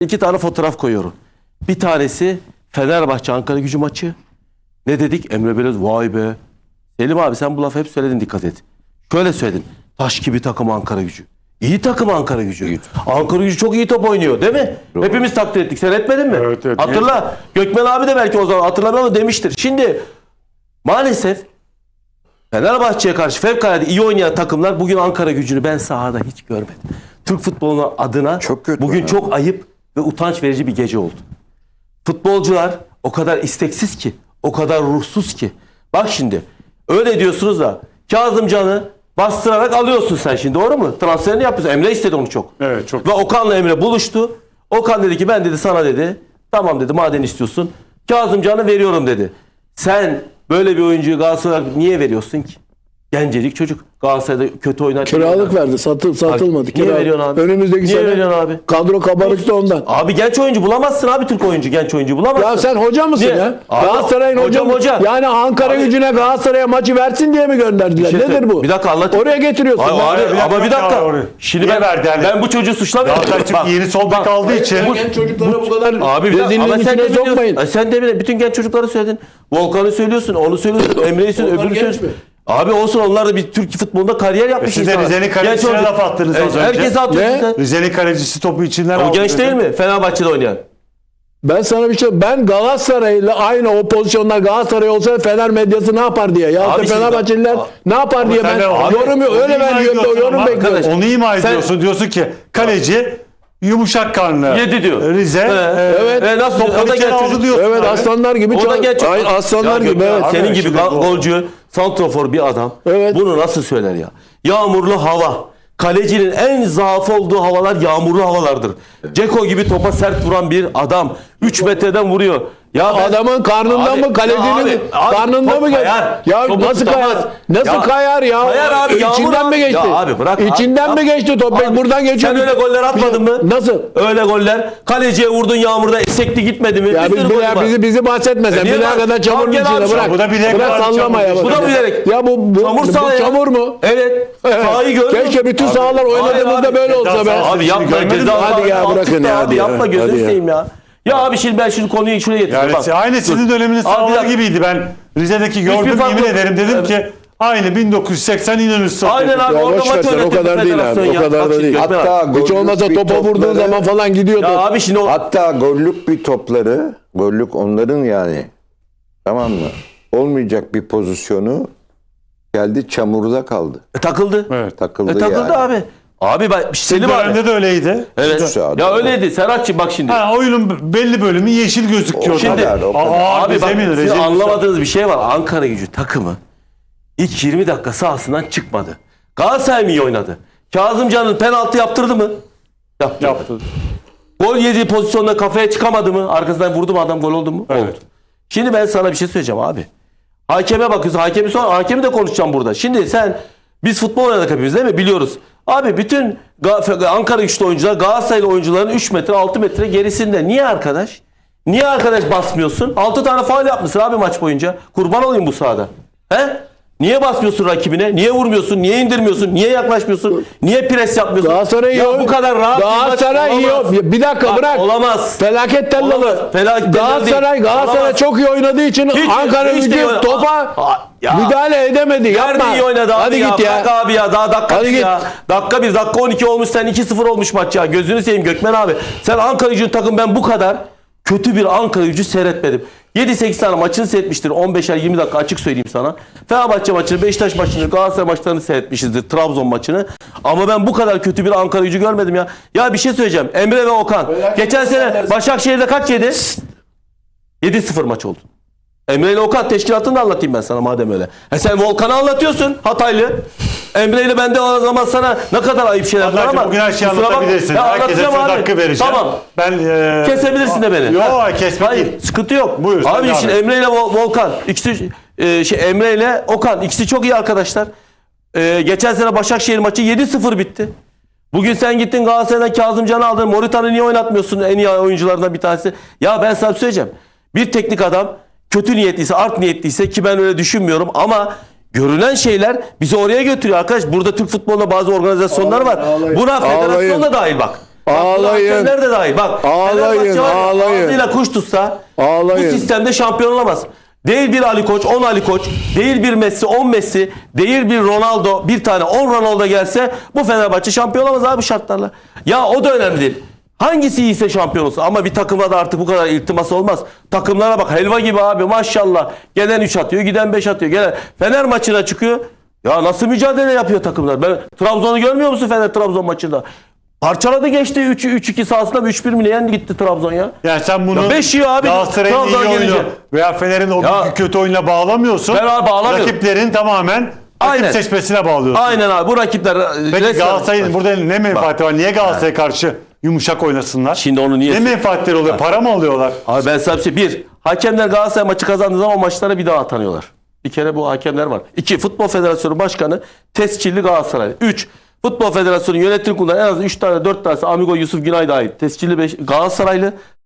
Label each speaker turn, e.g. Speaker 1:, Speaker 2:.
Speaker 1: İki tane fotoğraf koyuyorum. Bir tanesi Fenerbahçe Ankara Gücü maçı. Ne dedik? Emre Belöz vay be. Selim abi sen bu lafı hep söyledin, dikkat et. Şöyle söyledin. Taş gibi takım Ankara Gücü. İyi takım Ankara Gücü. İyi. Ankara Gücü çok iyi top oynuyor değil mi? Doğru. Hepimiz takdir ettik. Sen etmedin mi? Evet, evet. Hatırla. Gökmen abi de belki o zaman hatırlamıyor ama demiştir. Şimdi maalesef Fenerbahçe'ye karşı fevkalade iyi oynayan takımlar bugün Ankara Gücü'nü ben sahada hiç görmedim. Türk futboluna adına çok kötü bugün çok ayıp ve utanç verici bir gece oldu. Futbolcular o kadar isteksiz ki, o kadar ruhsuz ki. Bak şimdi öyle diyorsunuz da Kazımcan'ı bastırarak alıyorsun sen şimdi, doğru mu? Transferini yapıyorsun. Emre istedi onu çok. Evet, çok. Ve Okan'la Emre buluştu. Okan dedi ki ben dedi sana dedi tamam dedi madem istiyorsun Kazımcan'ı veriyorum dedi. Sen böyle bir oyuncuyu Galatasaray'a niye veriyorsun ki? Gencecik çocuk. Galatasaray'da kötü oynar.
Speaker 2: Kiralık verdi. Satılmadı.
Speaker 1: Niye veriyorsun abi?
Speaker 2: Önümüzdeki
Speaker 1: niye
Speaker 2: sene
Speaker 1: veriyorsun abi?
Speaker 2: Kadro kabarıktı ondan.
Speaker 1: Abi genç oyuncu bulamazsın abi, Türk oyuncu, genç oyuncu bulamazsın.
Speaker 2: Ya sen hoca mısın
Speaker 1: niye?
Speaker 2: ya?
Speaker 1: Abi,
Speaker 2: Galatasaray'ın hoca mı? Yani Ankara
Speaker 1: abi,
Speaker 2: Gücü'ne Galatasaray'a maçı versin diye mi gönderdiler? Nedir bu?
Speaker 1: Bir dakika anlatayım.
Speaker 2: Oraya getiriyorsun.
Speaker 1: Abi, ama bir dakika. Şimdi ben bu çocuğu suçlamıyorum.
Speaker 3: Galatasaray yeni sol bek aldığı için.
Speaker 2: Genç çocuklara bu kadar
Speaker 1: abi
Speaker 2: rezilliğin içine sokmayın.
Speaker 1: Sen de bütün genç çocukları söyledin. Volkan'ı söylüyorsun, onu söylüyorsun, Emre'yi söylüyorsun, öbürünü söylüyorsun. Abi olsun, onlar da bir Türk futbolunda kariyer yapmış
Speaker 3: insanlar. Siz de Rize'nin kalecisine laf attınız az önce.
Speaker 1: Herkese atıyorsun.
Speaker 3: Rize'nin kalecisi topu içinden
Speaker 1: aldı. O genç değil mi? Fenerbahçe'de oynayan.
Speaker 2: Ben sana bir şey, ben Galatasaray'la aynı o pozisyonlar Galatasaray olsa Fener medyası ne yapar diye. Ya da Fenerbahçeliler ne yapar diye ben yorum öyle yorum bekliyorum.
Speaker 3: Onu ima ediyorsun. Diyorsun ki kaleci yumuşak karnı.
Speaker 1: Yedi diyor.
Speaker 3: Rize.
Speaker 1: Evet. Nasıl?
Speaker 3: O da genç aldı diyorsun.
Speaker 2: Evet, aslanlar gibi.
Speaker 1: O da genç.
Speaker 2: Aslanlar gibi.
Speaker 1: Senin gibi golcü, santrafor bir adam. Evet. Bunu nasıl söyler ya? Yağmurlu hava. Kalecinin en zaaf olduğu havalar yağmurlu havalardır. Ceko gibi topa sert vuran bir adam 3 metreden vuruyor. Ya
Speaker 2: adamın karnından mı, kalecinin karnından mı
Speaker 1: kayar?
Speaker 2: Ya nasıl kayar? Nasıl kayar ya?
Speaker 1: Kayar abi.
Speaker 2: İçinden mi geçti?
Speaker 1: Ya abi bırak.
Speaker 2: İçinden mi geçti top? Buradan geçiyor.
Speaker 1: Sen öyle goller atmadın mı?
Speaker 2: Nasıl?
Speaker 1: Öyle goller. Kaleciye vurdun yağmurda, sekti gitmedi mi?
Speaker 2: Ya bizi bahsetme sen. Bir kadar çamurun içinde bırak.
Speaker 3: Bu da bilerek.
Speaker 2: Bırak sallama ya.
Speaker 1: Bu da bilerek.
Speaker 2: Ya bu çamur mu?
Speaker 1: Evet. Sahayı gördün.
Speaker 2: Keşke bütün sahalar oynadığımızda böyle olsa be.
Speaker 1: Abi yapma.
Speaker 2: Hadi ya bırakın ya.
Speaker 1: Abi yapma, gözünü seveyim ya. Ya abi şimdi ben şimdi konuyu şuraya getireyim.
Speaker 3: Yani aynı sizin döneminiz sağlığı gibiydi. Ben Rize'deki gördüm, yemin ederim dedim ki aynı 1980 İnönü.
Speaker 1: Aynen abi, orada maç
Speaker 2: o kadar değil abi. O kadar da değil.
Speaker 4: Hatta
Speaker 2: hiç olmazsa topa vurduğun zaman falan gidiyordu.
Speaker 1: Ya abi şimdi
Speaker 4: hatta gollük bir topları, gollük onların yani, tamam mı? Olmayacak bir pozisyonu geldi, çamurda kaldı.
Speaker 1: Takıldı.
Speaker 4: Evet. Takıldı
Speaker 1: yani. Abi. Abi ben Selim abi
Speaker 3: de öyleydi.
Speaker 1: Evet. Ya öyleydi. Serhatçığım bak şimdi.
Speaker 3: Oyunun belli bölümü yeşil gözüküyor.
Speaker 1: Şimdi abi bak, sizin anlamadığınız bir şey var. Ankara Gücü takımı ilk 20 dakika sahasından çıkmadı. Galatasaray mı iyi oynadı? Kazımcan'ın penaltı yaptırdı mı? Yaptı. Gol yediği pozisyonda kafaya çıkamadı mı? Arkasından vurdu mu adam, gol oldu mu?
Speaker 3: Evet.
Speaker 1: Oldu. Şimdi ben sana bir şey söyleyeceğim abi. Hakeme bakıyorsun. Hakemi de konuşacağım burada. Şimdi biz futbol oynadık hepimiz değil mi? Biliyoruz. Abi bütün Ankara Güçlü oyuncular Galatasaraylı oyuncuların 3 metre 6 metre gerisinde. Niye arkadaş? Niye arkadaş basmıyorsun? 6 tane faul yapmışsın abi maç boyunca. Kurban olayım bu sahada. He? Niye basmıyorsun rakibine? Niye vurmuyorsun? Niye indirmiyorsun? Niye yaklaşmıyorsun? Niye pres yapmıyorsun?
Speaker 2: Galatasaray
Speaker 1: ya bu kadar rahat
Speaker 2: Galatasaray iyi. Bir dakika bırak.
Speaker 1: Olamaz.
Speaker 2: Felaket tellalı. Galatasaray çok iyi oynadığı için Ankara Gücü topa müdahale edemedi. Yapma.
Speaker 1: Nerede iyi oynadı abi?
Speaker 2: Hadi
Speaker 1: ya.
Speaker 2: Git ya.
Speaker 1: Bırak abi ya. Daha dakika 1 ya. Dakika 1, dakika 12 olmuş, sen 2-0 olmuş maç ya. Gözünü seveyim Gökmen abi. Sen Ankara Gücü'nün takım, ben bu kadar kötü bir Ankara Gücü seyretmedim. 7-8 tane maçını seyretmiştir. 15'er 20 dakika açık söyleyeyim sana. Fenerbahçe maçını, Beşiktaş maçını, Galatasaray maçlarını seyretmişizdir. Trabzon maçını. Ama ben bu kadar kötü bir Ankara Gücü görmedim ya. Ya bir şey söyleyeceğim. Emre ve Okan. Geçen sene Başakşehir'de kaç yedi? 7-0 maç oldu. Emre ile Okan teşkilatını da anlatayım ben sana madem öyle. Sen Volkan'ı anlatıyorsun, Hataylı. Emre ile ben de o zaman sana ne kadar ayıp şeyler var ama.
Speaker 3: Bugün her şeyi anlatabilirsin. Herkese söz hakkı vereceğim.
Speaker 1: Tamam.
Speaker 3: Kesebilirsin
Speaker 1: de beni.
Speaker 3: Yok kesme
Speaker 1: hayır,
Speaker 3: değil.
Speaker 1: Sıkıntı yok.
Speaker 3: Buyur,
Speaker 1: abi şimdi Emre ile Volkan, ikisi Emre ile Okan ikisi çok iyi arkadaşlar. Geçen sene Başakşehir maçı 7-0 bitti. Bugün sen gittin Galatasaray'dan Kazımcan'ı aldın. Morita'nı niye oynatmıyorsun? En iyi oyuncularından bir tanesi. Ya ben sana söyleyeceğim. Bir teknik adam kötü niyetliyse, art niyetliyse, ki ben öyle düşünmüyorum ama görünen şeyler bizi oraya götürüyor arkadaş. Burada Türk futbolunda bazı organizasyonlar var. Buna federasyon da dahil bak.
Speaker 2: Ağlayın.
Speaker 1: Hakemler de dahil. Bak,
Speaker 2: Ağlayın,
Speaker 1: Fenerbahçe var ya,
Speaker 2: ağlayın.
Speaker 1: ağzıyla kuş tutsa
Speaker 2: Ağlayın.
Speaker 1: bu sistemde şampiyon olamaz. Değil bir Ali Koç, 10 Ali Koç, değil bir Messi, 10 Messi, değil bir Ronaldo, bir tane 10 Ronaldo gelse bu Fenerbahçe şampiyon olamaz abi şartlarla. Ya o da önemli değil. Hangisi iyiyse şampiyon olsun. Ama bir takıma da artık bu kadar iltimas olmaz. Takımlara bak helva gibi abi maşallah. Gelen 3 atıyor, giden 5 atıyor. Gelen Fener maçına çıkıyor. Ya nasıl mücadele yapıyor takımlar? Ben Trabzon'u görmüyor musun Fener Trabzon maçında? Parçaladı geçti 3-2 sahasında 3-1 mi ne yendi gitti Trabzon ya.
Speaker 3: Yani sen bunu
Speaker 1: Ya beş yiyor abi,
Speaker 3: Galatasaray'ın iyi
Speaker 1: Trabzon
Speaker 3: oyunu
Speaker 1: gelince.
Speaker 3: veya Fener'in o
Speaker 1: Ya.
Speaker 3: kötü oyunla bağlamıyorsun.
Speaker 1: Ben abi bağlamıyorum.
Speaker 3: Rakiplerin tamamen rakip
Speaker 1: Aynen.
Speaker 3: seçmesine bağlıyorsun.
Speaker 1: Aynen abi bu rakipler
Speaker 3: Peki
Speaker 1: resmen-
Speaker 3: Galatasaray'ın burada ne menfaati var? Niye Galatasaray'a karşı yumuşak oynasınlar?
Speaker 1: Şimdi onu niye-
Speaker 3: Ne menfaatleri oluyor? Para mı alıyorlar?
Speaker 1: Abi ben sana bir şey. Bir, hakemler Galatasaray maçı kazandığı zaman o maçlara bir daha atanıyorlar. Bir kere bu hakemler var. 2, Futbol Federasyonu Başkanı tescilli Galatasaray. 3, Futbol Federasyonu yönetim kurulu en az 3 tane 4 tanesi Amigo Yusuf Günay dahil tescilli Galatasaraylı.